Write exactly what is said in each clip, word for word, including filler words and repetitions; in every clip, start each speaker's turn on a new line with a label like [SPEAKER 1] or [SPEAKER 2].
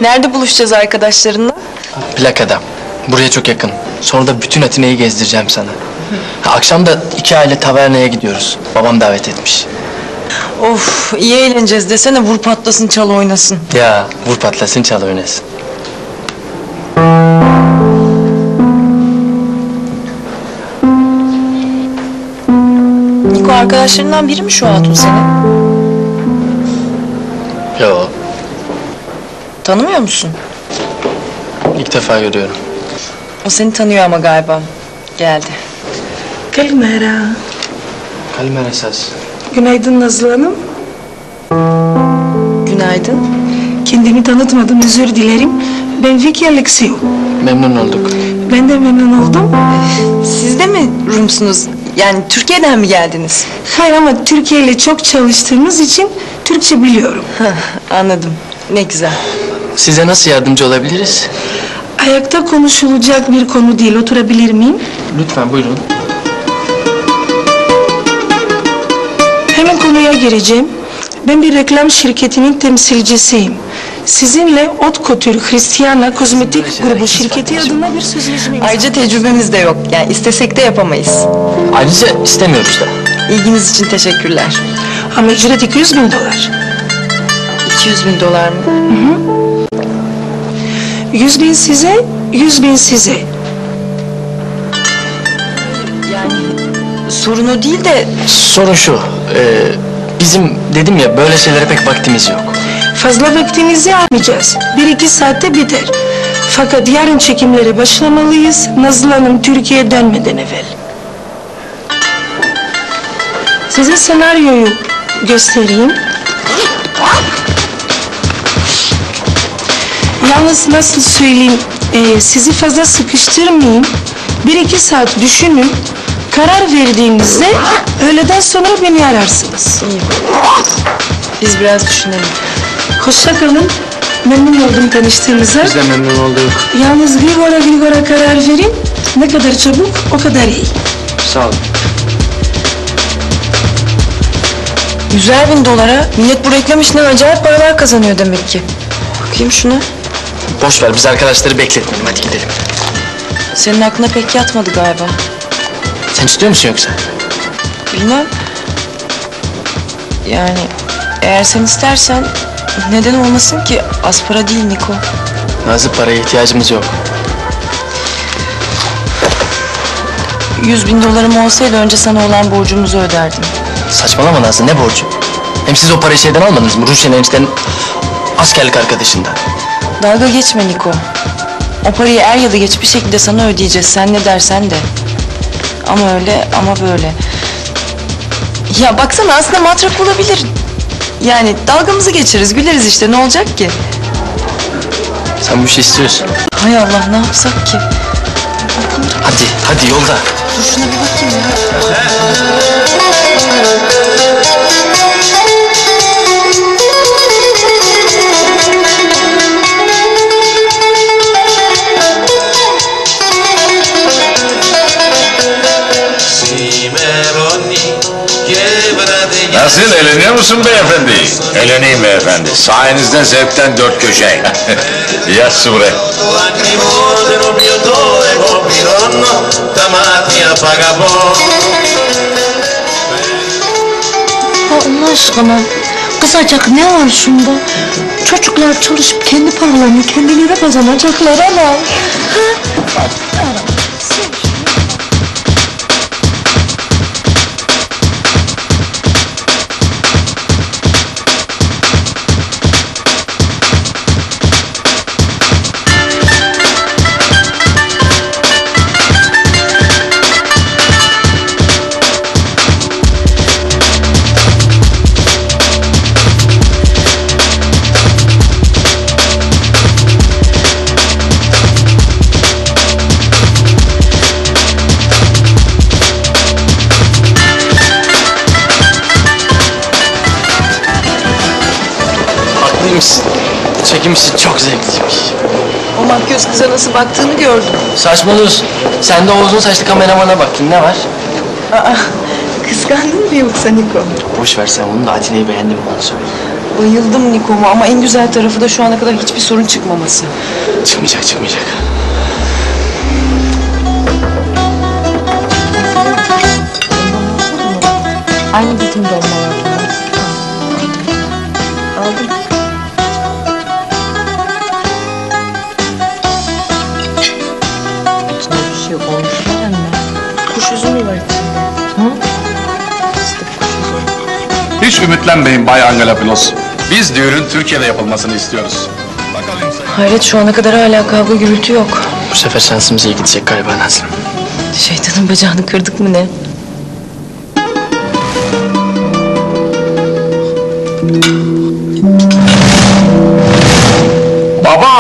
[SPEAKER 1] Nerede buluşacağız arkadaşlarınla?
[SPEAKER 2] Plakada. Buraya çok yakın. Sonra da bütün Atina'yı gezdireceğim sana. Ha, akşam da iki aile tavernaya gidiyoruz. Babam davet etmiş.
[SPEAKER 1] Of, iyi eğleneceğiz desene, vur patlasın çal oynasın.
[SPEAKER 2] Ya vur patlasın çal oynasın.
[SPEAKER 1] Niko, arkadaşlarından biri mi şu hatun senin?
[SPEAKER 2] Yo,
[SPEAKER 1] Tanımıyor musun?
[SPEAKER 2] ilk defa görüyorum.
[SPEAKER 1] O seni tanıyor ama galiba. Geldi.
[SPEAKER 3] Kalimera.
[SPEAKER 2] Kalimera esas.
[SPEAKER 3] Günaydın Nazlı Hanım.
[SPEAKER 1] Günaydın.
[SPEAKER 3] Kendimi tanıtmadım, özür dilerim. Ben Vicky Alexiou.
[SPEAKER 2] Memnun olduk.
[SPEAKER 3] Ben de memnun oldum.
[SPEAKER 1] Siz de mi Rumsunuz? Yani Türkiye'den mi geldiniz?
[SPEAKER 3] Hayır, ama Türkiye ile çok çalıştığımız için Türkçe biliyorum.
[SPEAKER 1] Hah, anladım. Ne güzel.
[SPEAKER 2] Size nasıl yardımcı olabiliriz?
[SPEAKER 3] Ayakta konuşulacak bir konu değil, oturabilir miyim?
[SPEAKER 2] Lütfen buyurun.
[SPEAKER 3] Hemen konuya gireceğim. Ben bir reklam şirketinin temsilcisiyim. Sizinle Haute Couture Hristiyanla Kozmetik Grubu şirketi adına bir sözleşme imzaladım.
[SPEAKER 1] Ayrıca tecrübemiz de yok. Yani istesek de yapamayız.
[SPEAKER 2] Ayrıca istemiyoruz da.
[SPEAKER 1] İlginiz için teşekkürler.
[SPEAKER 3] Ama ücret iki yüz bin dolar.
[SPEAKER 1] iki yüz bin dolar mı?
[SPEAKER 3] Yüz bin size, yüz bin size.
[SPEAKER 1] Yani sorun o değil de...
[SPEAKER 2] Sorun şu. E, bizim dedim ya böyle şeylere pek vaktimiz yok.
[SPEAKER 3] Fazla vaktinizi almayacağız. Bir iki saatte biter. Fakat yarın çekimlere başlamalıyız. Nazlı Hanım Türkiye'ye dönmeden evvel. Size senaryoyu göstereyim. Yalnız nasıl söyleyeyim, e, sizi fazla sıkıştırmayayım. Bir iki saat düşünün. Karar verdiğinizde öğleden sonra beni ararsınız.
[SPEAKER 1] İyi. Biz biraz düşünelim.
[SPEAKER 3] Hoşça kalın. Memnun oldum tanıştığımıza.
[SPEAKER 2] Biz de memnun olduk.
[SPEAKER 3] Yalnız Grigor'a Grigor'a karar verin. Ne kadar çabuk o kadar iyi.
[SPEAKER 2] Sağ olun.
[SPEAKER 1] Yüzer bin dolara millet bu reklam işinden acayip paralar kazanıyor demek ki. Bakayım şuna.
[SPEAKER 2] Boş ver, biz arkadaşları bekletmeyelim. Hadi gidelim.
[SPEAKER 1] Senin aklına pek yatmadı galiba.
[SPEAKER 2] Sen istiyor musun yoksa?
[SPEAKER 1] Bilmem. Yani eğer sen istersen neden olmasın ki? Az para değil Niko.
[SPEAKER 2] Nazlı, paraya ihtiyacımız yok.
[SPEAKER 1] Yüz bin dolarım olsaydı önce sana olan borcumuzu öderdim.
[SPEAKER 2] Saçmalama Nazlı, ne borcu? Hem siz o parayı şeyden almadınız mı? Ruşen eniştenin askerlik arkadaşından.
[SPEAKER 1] Dalga geçme Niko. O parayı er ya da geç bir şekilde sana ödeyeceğiz. Sen ne dersen de. Ama öyle ama böyle. Ya baksana, aslında matrak olabilir. Yani dalgamızı geçiririz, güleriz işte, ne olacak ki?
[SPEAKER 2] Sen bu işi istiyorsun.
[SPEAKER 1] Hay Allah, ne yapsak ki?
[SPEAKER 2] Hadi, hadi yolda.
[SPEAKER 1] Dur şuna bir bakayım ya.
[SPEAKER 4] Nasıl, eğleniyor musun beyefendi?
[SPEAKER 5] Eğleneyim beyefendi. Sayenizde zevkten dört köşe.
[SPEAKER 4] Yaz Sure.
[SPEAKER 6] Allah aşkına, kızacak ne var şunda? Çocuklar çalışıp kendi paralarını kendileri kazanacaklar ama. Ha?
[SPEAKER 2] Haklıymışsın. Çekim işi çok zevkliymiş.
[SPEAKER 1] O makyöz kıza nasıl baktığını gördüm.
[SPEAKER 2] Saçmalıyorsun. Sen de o uzun saçlı kameramana baktın, ne var?
[SPEAKER 1] Aa, kıskandın mı yoksa Niko?
[SPEAKER 2] Boş ver sen onu da, Atina'yı beğendim mi onu söyle.
[SPEAKER 1] Bayıldım Niko'ma ama en güzel tarafı da şu ana kadar hiçbir sorun çıkmaması.
[SPEAKER 2] Çıkmayacak, çıkmayacak.
[SPEAKER 6] Aynı bizim dolmalar. Aldım. İçinde bir şey olmuş mu anne?
[SPEAKER 3] Kuş üzümü var içinde.
[SPEAKER 7] Hiç ümitlenmeyin Bay Angelopoulos. Biz düğünün Türkiye'de yapılmasını istiyoruz. Bakalım sen.
[SPEAKER 1] Hayret şu ana kadar hala kavga gürültü yok.
[SPEAKER 2] Bu sefer şansımız iyi gidecek galiba Nazlı.
[SPEAKER 1] Şeytanın bacağını kırdık mı ne?
[SPEAKER 7] Baba!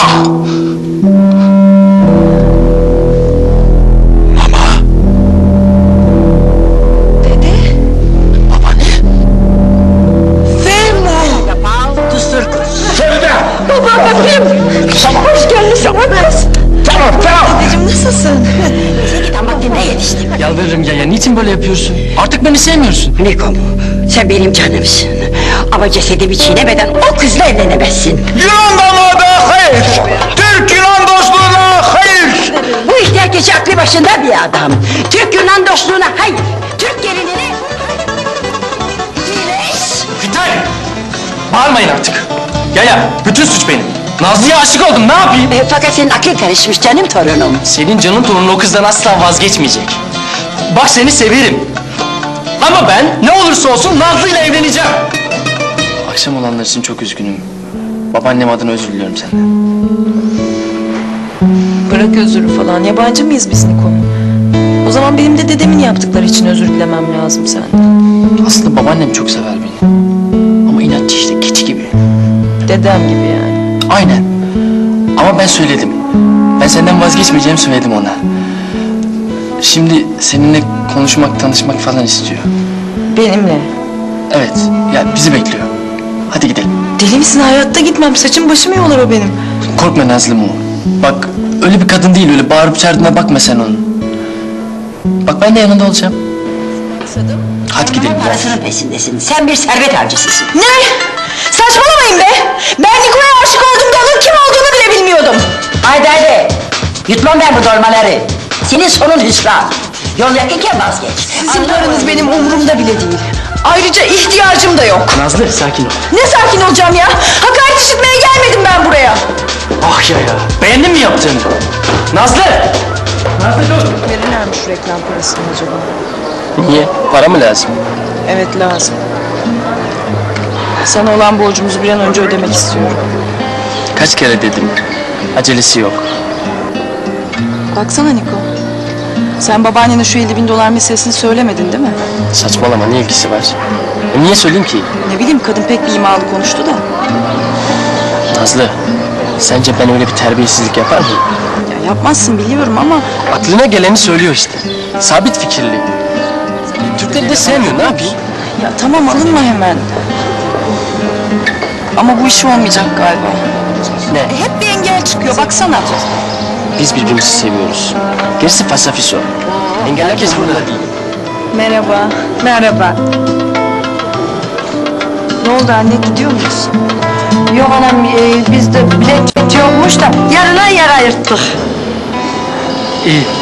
[SPEAKER 1] Dedeciğim nasılsın?
[SPEAKER 8] Damaklarına yetiştim.
[SPEAKER 2] Yalvarırım ya, ya niçin böyle yapıyorsun? Artık beni sevmiyorsun.
[SPEAKER 8] Nikom, sen benim canımsın. Ama cesedimi çiğnemeden o kızla evlenemezsin.
[SPEAKER 5] Yunan damadı hayır! Türk Yunan dostluğuna hayır!
[SPEAKER 8] Bu ihtiyar kişi aklı başında bir adam. Türk Yunan dostluğuna hayır. Türk gelinine... Güneş!
[SPEAKER 2] Yeter! Bağırmayın artık. Ya ya, bütün suç benim. Nazlı'ya aşık oldum, ne yapayım?
[SPEAKER 8] E, fakat senin aklın karışmış canım torunum.
[SPEAKER 2] Senin canın torunu o kızdan asla vazgeçmeyecek. Bak seni severim. Ama ben ne olursa olsun Nazlı'yla evleneceğim. Akşam olanlar için çok üzgünüm. Babaannem adına özür diliyorum senden.
[SPEAKER 1] Bırak özürü falan. Yabancı mıyız biz Niko? O zaman benim de dedemin yaptıkları için özür dilemem lazım senden.
[SPEAKER 2] Aslında babaannem çok sever beni. Ama inatçı işte, keçi gibi.
[SPEAKER 1] Dedem gibi yani.
[SPEAKER 2] Aynen. Ama ben söyledim. Ben senden vazgeçmeyeceğimi söyledim ona. Şimdi seninle konuşmak, tanışmak falan istiyor.
[SPEAKER 1] Benimle.
[SPEAKER 2] Evet, ya bizi bekliyor. Hadi gidelim.
[SPEAKER 1] Deli misin? Hayatta gitmem. Saçım başımı yolar o benim.
[SPEAKER 2] Korkma Nazlı'm o. Bak öyle bir kadın değil, öyle bağırıp çağırdığına bakma sen onun. Bak ben de yanında olacağım. Hadi gidelim. ya.
[SPEAKER 8] Parasının peşindesin. Sen bir servet avcısısın.
[SPEAKER 1] Ne? Saçmalamayın be! Ben Niko'ya aşık olduğumda onun kim olduğunu bile bilmiyordum.
[SPEAKER 8] Haydi haydi. Yutmam ben bu dolmaları. Senin sonun hüsran. Yol yakınken vazgeç.
[SPEAKER 1] Sizin paranız benim umurumda bile değil. Ayrıca ihtiyacım da yok.
[SPEAKER 2] Nazlı sakin ol.
[SPEAKER 1] Ne sakin olacağım ya? Hakaret işitmeye gelmedim ben buraya.
[SPEAKER 2] Ah ya ya. Beğendin mi yaptığını? Nazlı! Nazlı dur.
[SPEAKER 1] Verirler mi şu reklam parasını acaba?
[SPEAKER 2] Niye? Para mı lazım?
[SPEAKER 1] Evet lazım. Sana olan borcumuzu bir an önce ödemek istiyorum.
[SPEAKER 2] Kaç kere dedim. Acelesi yok.
[SPEAKER 1] Baksana Niko. Sen babaannene şu elli bin dolar meselesini söylemedin değil mi?
[SPEAKER 2] Saçmalama, ne ilgisi var? E, niye söyleyeyim ki?
[SPEAKER 1] Ne bileyim kadın pek bir imalı konuştu da.
[SPEAKER 2] Nazlı, sence ben öyle bir terbiyesizlik yapar mıyım?
[SPEAKER 1] Ya yapmazsın biliyorum ama
[SPEAKER 2] Aklına geleni söylüyor işte. Sabit fikirli. Türkleri de sevmiyor, ne yapayım?
[SPEAKER 1] ya tamam alınma hemen. Ama bu iş olmayacak galiba.
[SPEAKER 2] Ne?
[SPEAKER 1] E, hep bir engel çıkıyor baksana.
[SPEAKER 2] Biz birbirimizi seviyoruz. Gerisi fasafiso. Engel herkes burada değil.
[SPEAKER 1] Merhaba. Merhaba. Ne oldu anne gidiyor muyuz?
[SPEAKER 8] Yok anam e, bizde bilet yokmuş da yarına yer ayırttık.
[SPEAKER 2] İyi.